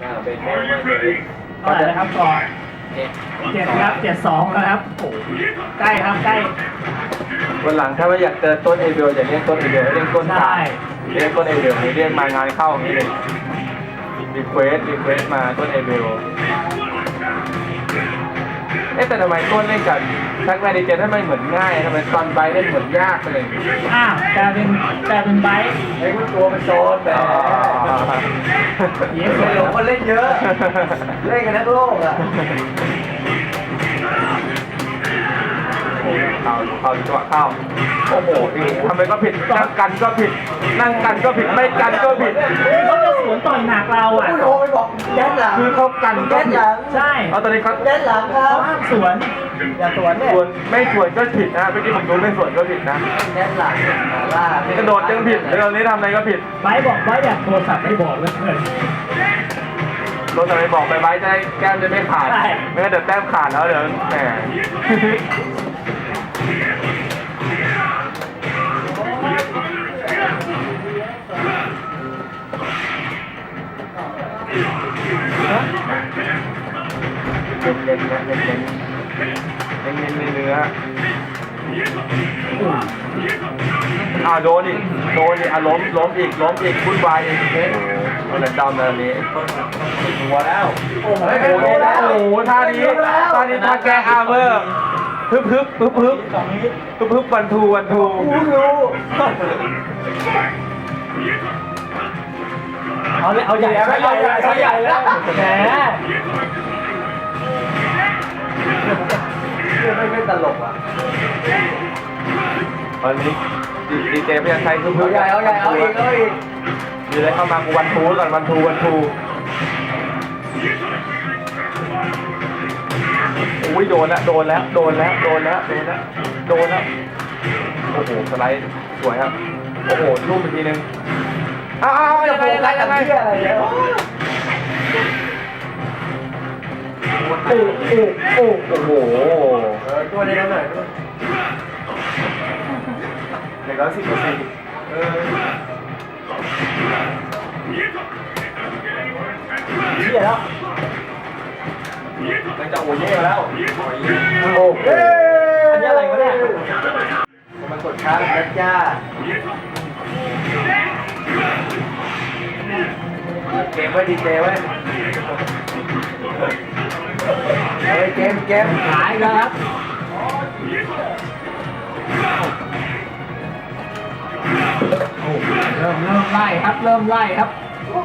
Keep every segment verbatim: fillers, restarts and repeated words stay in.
เป็นแม่เมื่อเลยเท่าไหร่นะครับก่อนเจ็ดเจ็ดครับเจ็ดสองแล้วครับโอ้ใกล้ครับใกล้วันหลังถ้าว่าอยากเจอต้นเอเบลอย่าเรียกต้นเอเบลเรียกต้นใช่ตายเรียกต้นเอเบลเรียกมางานเข้าอย่างนี้เลยรีเควสรีเควสมาต้นเอเบลเอ๊ะแต่ทำไมต้นเล่นกับทักแมนดิเจนทำไมเหมือนง่ายทำไมตอนไบเล่นเหมือนยากเลยอ้าวกลายเป็นกลายเป็นไบค์ไอ้พวกตัวมันโซนแต่เย้สเดี๋วยยวคนเล่นเยอะ เล่นกันทั้งโลกอ่ะเข้าเข้าจังหวะเข้าโอ้โหทำไมก็ผิดนั่งกันก็ผิด นั่งกันก็ผิดไม่กันก็ผิดเขาจะสวนต่อยหนักเราอ่ะผู้โทรไปบอกแดนหลังคือเขากันก็แดนผิหดลังใช่เอาตอนนี้เขาแดนหลังครัเขาบห้ามสวนอย่าสวนเนี่ยส่วนไม่ส่วนก็ผิดนะเมื่อกี้ผมดูไม่ส่วนก็ผิดนะแดนหลังล่ากระโดดยังผิดแล้วตอนนี้ทำอะไรก็ผิดไบค์บอกไบค์อยากโทรศัพท์ไม่บอกเลยเพื่อนรถทำไมบอกไปไว้จะได้แก้มจะไม่ขาดใช่ไม่งั้นเดี๋ยวแต้มขาดแล้วเดี๋ยวแหมเน้นเน้นนะเน้นเน้นเน้นเน้นเนื้ออ้าวโดนอีกโดนอีกอ่ะล้มล้มอีกล้มอีกพุ่นวายอีกเฮ้ยโอ้โหดำแบบนี้หัวแล้ว โอ้โหโอ้โหโอ้โหท่านี้ท่านี้ท่าแก้อาร์เมอร์ฮึบฮึบฮึบฮึบฮึบฮึบวันทูวันทูรู้รู้เอาเลยเอาใหญ่เอาใหญ่เอาใหญ่แล้วแหมไม่ไม่ตลกอ่ะตอนนี้ดีเจพยาชัยฮึบฮึเอาบใหญ่เอาใหญ่เอาอีกเอาอีกมีอะไรเข้ามากูวันทูก่อนวันทูวันทูอุ้ยโดนแล้วโดนแล้วโดนแล้วโดนแล้วโดนแล้วโดนแล้วโอ้โหสไลด์สวยครับโอ้โหลูกอีกทีนึงอ้าวยังไงยังไงยังไงเที่ยอะไรเนี่ยโอ้โอ้โอ้โอ้โหเออตัวนี้หน่อยด้วยหนึ่งร้อยสิบเปอร์เซ็นต์เออเชี่ยแล้วมันจะโอเย่แล้วโอ้เฮ้อันนี้อะไรวะเนี่ยมันกดช้าแล้วจ้าเกมไว้ดีเจไว้เฮ้ยเกมเกมหายแล้วครับโอ้เริ่มเริ่มไล่ครับ เริ่มไล่ครับ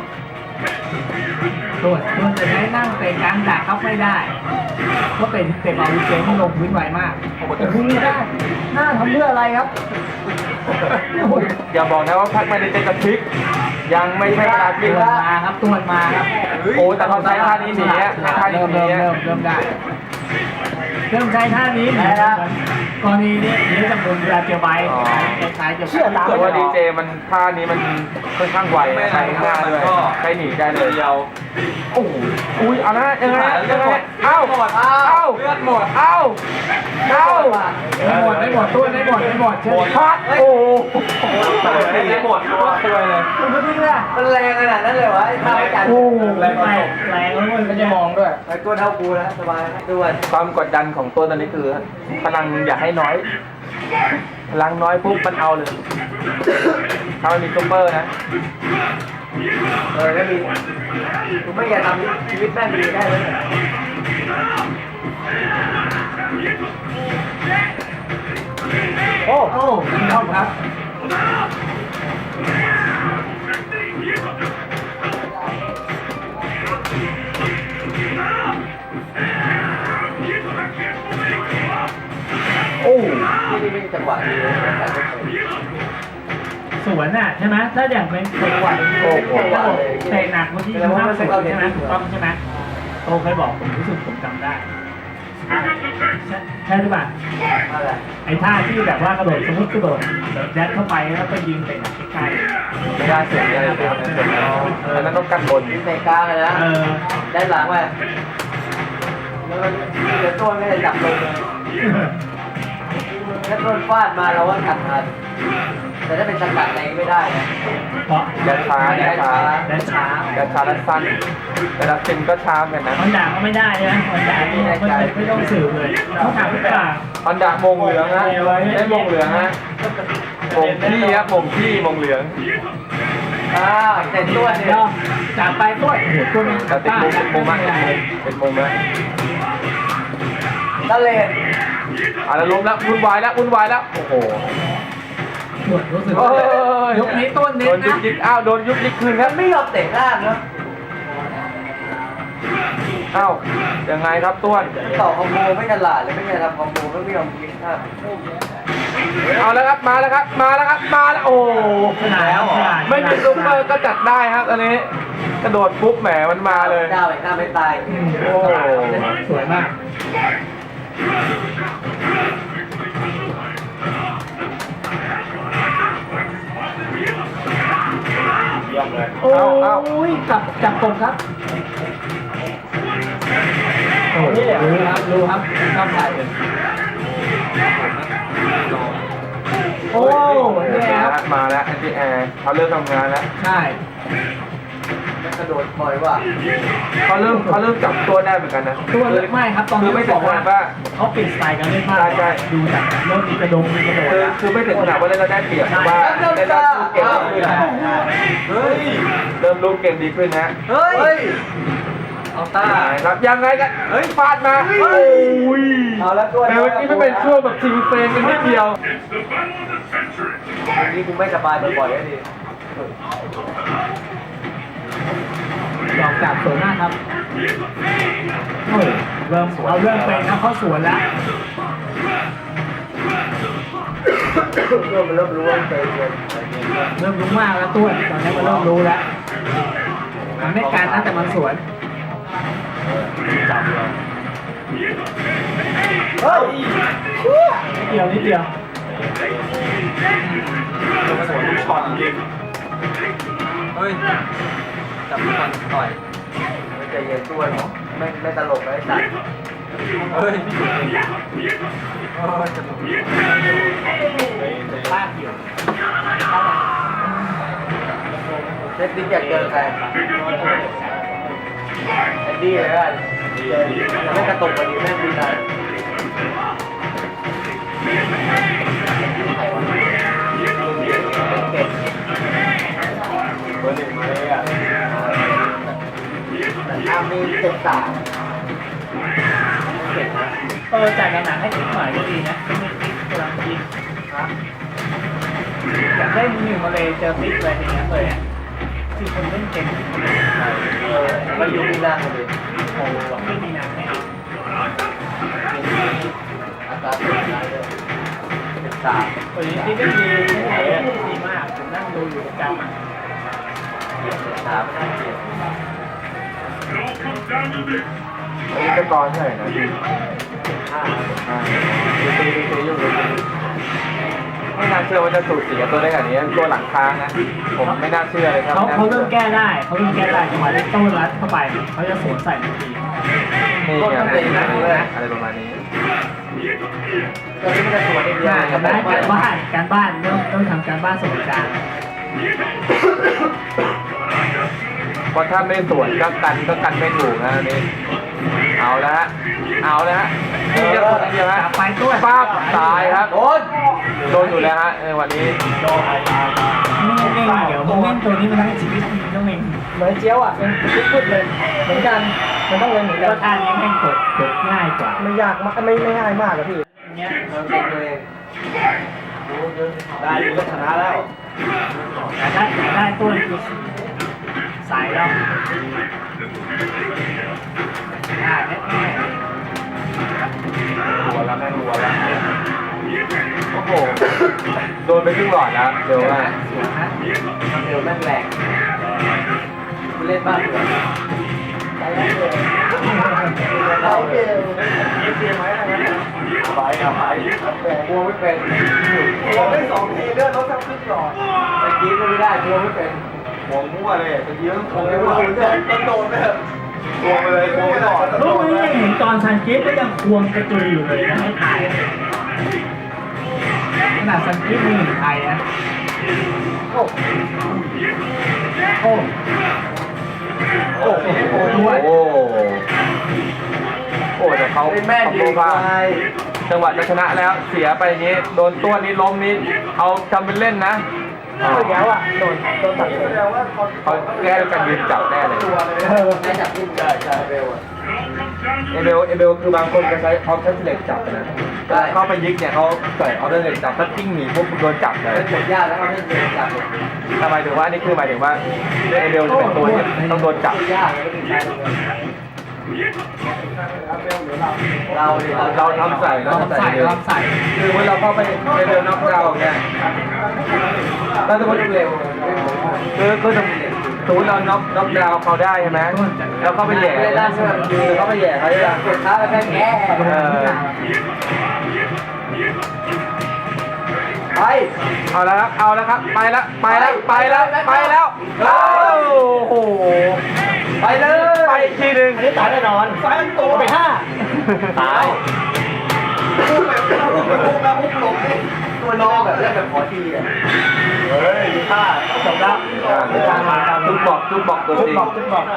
ตัวตัวจะใช้นั่งเตะกลางดักครับไม่ได้เพราะเป็นเตะบอลเจที่ลงพื้นไวมากโอ้โหไม่ได้หน้าทำเพื่ออะไรครับอย่าบอกนะว่าพักไม่ได้เจอกระพริกยังไม่ใช่เวลาพลิตักวนมาครับตัวมาครับโอ้แต่เขาใช้ท่านี้หนีอะใช้ท่านี้เริ่มหนีเริ่มอะเริ่มเริ่มได้เริ่มใช้ท่านี้หนีกรณีนี้หนีจากบนเวลาเจอใบคล้ายๆจะเชื่อตามแต่ว่าดีเจมันท่านี้มันค่อนข้างไวใช้หน้าด้วยใช้หนีได้เลยเดียวโอ้โหอุ้ยเอาละยังไงยังไงเอ้าเอ้าเลือดหมดเอ้าเอ้าไม่หมดไม่หมดตัวไม่หมดไม่หมดเชื่อพัดโอ้โหไม่หมดตัวเลยมันก็ได้มันแรงขนาดนั้นเลยวะไอ้ท่าจัดโอ้แรงแรงแรงแล้วมันจะมองด้วยไอ้ตัวเท่ากูแล้วสบายนะด้วยความกดดันของตัวตอนนี้คือพลังอย่าให้น้อยพลังน้อยปุ๊บมันเอาเลยถ้ามันมีซุปเปอร์นะเออแล้วมีกูไม่อยากทำชีวิตแม่งดีได้เลยโอ้โอ้ชอบครับโอ้นี่นี่จังหวะดีเลยสวนน่ะใช่ไหมถ้าอย่างเป็นจังหวะโอ้โหเตะหนักเมื่อกี้คือห้ามสวนใช่ไหมถูกต้องใช่ไหมโตเคยบอกผมรู้สึกผมจำได้ใช่หรือเปล่าอะไรไอ้ท่าที่แบบว่ากระโดดสมมติกระโดดยัดเข้าไปแล้วไปยิงเตะใกล้ไม่ได้เสียงอะไรเลยนะเสียงแล้วนั้นต้องกันบนยิงในกลางเลยนะเออด้านหลังไปแล้วมันเดี๋ยวต้นไม่ได้จับลงเลยถ้าต้นฟาดมาเราว่าขัดทันแต่ถ้าเป็นสกัดอะไรไม่ได้นะเพราะแดนช้าแดนช้าแดนช้าแดนช้าแดนสั้นแต่ละซิมก็ช้าเหมือนกันนะมันด่าก็ไม่ได้นะมันด่านี่ไม่ไม่ต้องสืบเลยต้องถามพี่ป่าฮอนดามงเหลืองฮะได้มงเหลืองฮะมงที่ครับมงที่มงเหลืองอ่าเต็มตัวเนี่ยเนาะจากไปตัวโอ้โหตัวนี้แต่ติดมงเป็นมงมากเป็นมงนะตะเลนอ่ะแล้วล้มแล้ววุ่นวายแล้ววุ่นวายแล้วโอ้โหรู้สึกเอ้ว่าย ยกนี้ต้นโดเน้นนยุนะกยิกอ้าวโดนยุกยิกคืนคมัรับนไม่ยอมเตะหน้าเนาะอ้าวยังไงครับต้วนต่อคอมโบไม่ฉลาดเลยไม่ยอมทำคอมโบไม่ยอมยิงหน้าเอาแล้วครับมาแล้วครับมาแล้วครับมาแล้วโอ้ขนาดแล้วไม่มีซุปเปอร์ก็จัดได้ครับอันนี้กระโดดปุ๊บแหมมันมาเลยหน้าไปหน้าไม่ตายโอ้สวยมากเยี่ยมเลยโอ้เอาเอายจับจับกบครับโอ้ยรู้ครับรู้ครับชอบถ่ายเลยโอ้เนี่ยครับมาแล้วแอนตี้แอร์เขาเริ่มทำงานแล้วใช่กระโดดบ่อยว่ะเขาเริ่มเขาเริ่มจับตัวได้เหมือนกันนะตัวเล็กไม่ครับตอนคืนี้อไม่ถึงขนาดว่าเขาเปลี่ยนสไตล์การเล่นมากใช่ใช่ดูจากเริ่มมีกระดงมีกระโดดคือคือไม่ถึงขนาดว่าเล่นเราได้เปรียบแต่ว่าเล่นแล้วลูกเกมดีขึ้นเฮ้ยเริ่มลูกเกมดีขึ้นนะเฮ้ยเอาตาครับยังไงกันเฮ้ยฟาดมาโอ้ยเอาแล้วตัวแต่เมื่อกี้ไม่เป็นช่วงแบบชิงเฟรมกันนิดเดียวนี่กูไม่สบายบ่อยๆแล้วดิหลอกจับสวยมากครับโอ้ยเริ่มเราเริ่มเป็นนะเขาสวนแล้วเริ่มเริ่มรู้ว่าเตะเกินเริ่มรู้มากแล้วตัวตอนนี้มันเริ่มรู้แล้วมันไม่การนะแต่มันสวนจับเลยเฮ้ยนิดเดียวนิดเดียวสวนทุกช็อตจริงเฮ้ยจับมันต่อยไม่ใจเย็นตัวหรอไม่ไม่ตลกเลยสัตว์เฮ้ยเออจะพลาดอยู่เซฟติ๊กอยากเจอใครแอนดี้เลยกันไม่กระตุกกว่านี้แม่งดีนะเก่งเบอร์หนึ่งมาเลยอ่ะอามีเจ็ดสามเก่งนะเออจ่ายหนังให้ถึงหน่อยก็ดีนะกำลังดีฮะอยากได้มือหนึ่งมาเลยเจอปิ๊กเลยอย่างเงี้ยเลยอ่ะคือคนเล่นเก่งเออมาอยู่มีนาเลยโอ้โหไม่มีหนังให้เอาอัตราส่วนได้เลยเจ็ดสามตัวนี้ที่ไม่มีไม่ไหนดีมากผมนั่งดูอยู่ประจำเจ็ดสามไม่น่าเกลียดอันนี้ก็ตอนเท่าไหร่นะพี่ห้าอ่าดูตีดูตีอยู่ดูตีไม่น่าเชื่อว่าจะสูสีกับตัวได้ขนาดนี้ตัวหลังค้างนะ ผมไม่น่าเชื่อเลยครับเขาเขาเริ่มแก้ได้เขาเริ่มแก้ได้จังหวะที่ต้นรัดเข้าไปเขาจะสวนใส่ทันทีนี่ไงอะไรประมาณนี้ตอนนี้มันจะสวนอีกเดียวใช่ทำได้การบ้านการบ้านเริ่มเริ่มทำการบ้านสมการเพราะถ้าไม่สวนก็กันก็กันไม่ถูกนะอันนี่เอาละฮะเอาละฮะนี่จะคนเดียวฮะไปตัวป้าบตายครับโดนโดนอยู่แล้วฮะในวันนี้นี่เองเดี๋ยวมึงเล่นตัวนี้มันทั้งชีวิตมึงต้องเองเหมือนเจียวอ่ะเป็นพุดเลยเหมือนกันมันต้องเล่นเหมือนกันท่านี้แม่งกดกดง่ายกว่าไม่ยากมากไม่ไม่ง่ายมากอะพี่เนี้ยเราเก่งตัวเองได้ดูก็ชนะแล้วแต่ได้แต่ได้ตัวคือสายแล้วอ่าแน่แน่รัวแล้วแม่งรัวแล้วโอ้โหโดนไปครึ่งหลอดแล้วเดี๋ยวว่าสวยฮะเร็วแม่งแรงกูเล่นบ้านเหรอไปเร็วเราเร็วยิงเกมไหมอะไรนะไปอ่ะไปแต่กลัวไม่เป็นกลัวไม่สองทีเลือดลดทั้งครึ่งหลอดแต่กินก็ไม่ได้กลัวไม่เป็นหัวมั่วเลยแต่กี้ต้องคงไม่ว่าต้องโดนแบบกลัวไปเลยกลัวไม่หลอดลูกนี้ยังเห็นตอนซันกิฟก็ยังควงกระจุยอยู่เลยนะให้ถ่ายขนาดซันกิฟมือหนึ่งไทยนะโอ้โอ้โอ้โอ้ด้วยโอ้โอ้แต่เขาเป็นแม่ดีเขากว่าจังหวะจะชนะแล้วเสียไปอย่างนี้โดนตัวนี้ล้มนี้เอาจำเป็นเล่นนะเอาอีกแล้วอ่ะโดนโดนตัดเลยเขาแก้ด้วยการยืนจับแน่เลยเออได้จับขึ้นใช่ใช่เร็วอ่ะเอเบลเอเบลคือบางคนก็ใช้ออฟเทนเหล็กจับนะแต่เข้าไปยิกเนี่ยเขาใส่ออฟเทนเหล็กจับถ้ากิ้งหนีปุ๊บโดนจับเลยเป็นกดยากแล้วเขาไม่เดินจับทำไมถึงว่านี่คือหมายถึงว่าเอเบลจะเป็นตัวที่ต้องโดนจับยากแล้วก็ติดใจเราเราเราทำใส่เราลองใส่ลองใส่คือเมื่อเราเข้าไปเอเบลน็อกดาวน์เนี่ยเราจะมันเร็วคือคือสมมติเราน็อกน็อกดาวน์เขาได้ใช่ไหมแล้วเข้าไปแย่คือเข้าไปแย่เขาจะกดท้าแล้วแค่แง่เออไปเอาแล้วครับเอาแล้วครับไปแล้วไปแล้วไปแล้วไปแล้วโอ้โหไปเลยไปอีกทีหนึ่งอันนี้ตายแน่นอนไฟมันโตไปห้าตายพุ่งแบบพุ่งแบบพุ่งแบบพุ่งลงตัวน้องแบบเล่นแบบขอทีอ่ะเฮ้ยดูท่าจบแล้วจุดบอกจุดบอกตัวจุดจริงบอกจุดบอก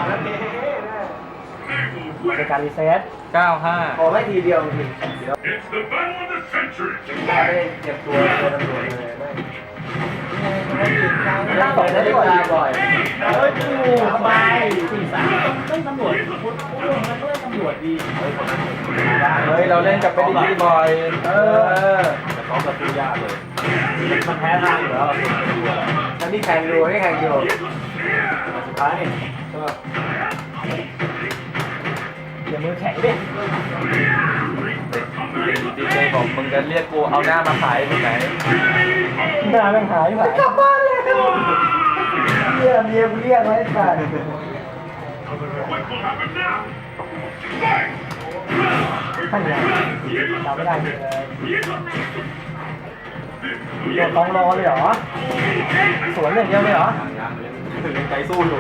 ในการรีเซ็ตเก้าห้าขอให้ทีเดียวจริง It's the battle of the century. ไม่ได้เจ็บตัวตัวตำรวจเลยไม่นั่งต่อได้ด้วยบ่อยเฮ้ยกูสบายสี่สามต้องตำรวจพูดพูดมันก็เล่นตำรวจดีเฮ้ยเราเล่นกับเป็นดีบ่อยเออมันแพ้ทางอยู่แล้วแล้วนี่แข่งดูนี่แข่งดูสุดท้ายอย่ามือแข็งดิดีเจบอกมึงจะเรียกกูเอาหน้ามาขายที่ไหนหน้าแม่งหายไปกลับบ้านเลยเมียเมียกูเรียกไว้ก่อน What will happen now? Fight! ท่านยังจำไม่ได้เลยโดนต้องรอเลยเหรอสวนอย่างเดียวเลยเหรอใจสู้อยู่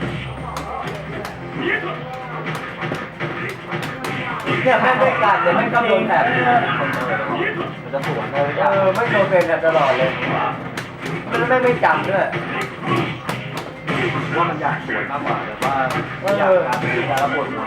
เนี่ยแม่งไม่กัดเลยแม่งก็โดนแผลมันจะสวนเออไม่โดนเป็นตลอดเลยมันไม่ไม่จำด้วยว่ามันอยากสวนมากกว่าแต่ว่าเออการระบบน้อย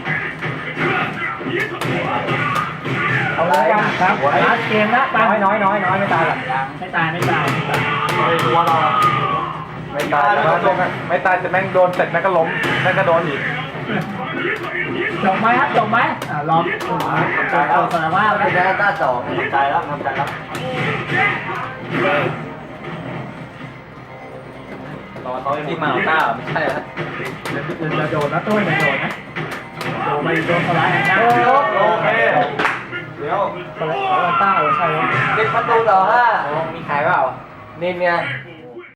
เอาเลยกันครับลาสเกมนะตายน้อยน้อยน้อยไม่ตายหรอกไม่ตายไม่ตายไม่ตายไม่รู้ว่าเราไม่ตายแล้วไม่ตายแต่แม่งโดนเสร็จแม่งก็ล้มแม่งก็โดนอีกจบไหมครับจบไหมอ่ารอบจบจบสารภาพเป็นแค่ต้าสองทำใจแล้วทำใจแล้วรอเขาที่มาหน้าไม่ใช่แล้วจะโดนนะตุ้ยจะโดนนะโดนไปโดนสไลด์นะโอเคเดี๋ยวสไลด์ต้าใช่ไหมเป็นประตูต่อห้ามีขายเปล่านินไง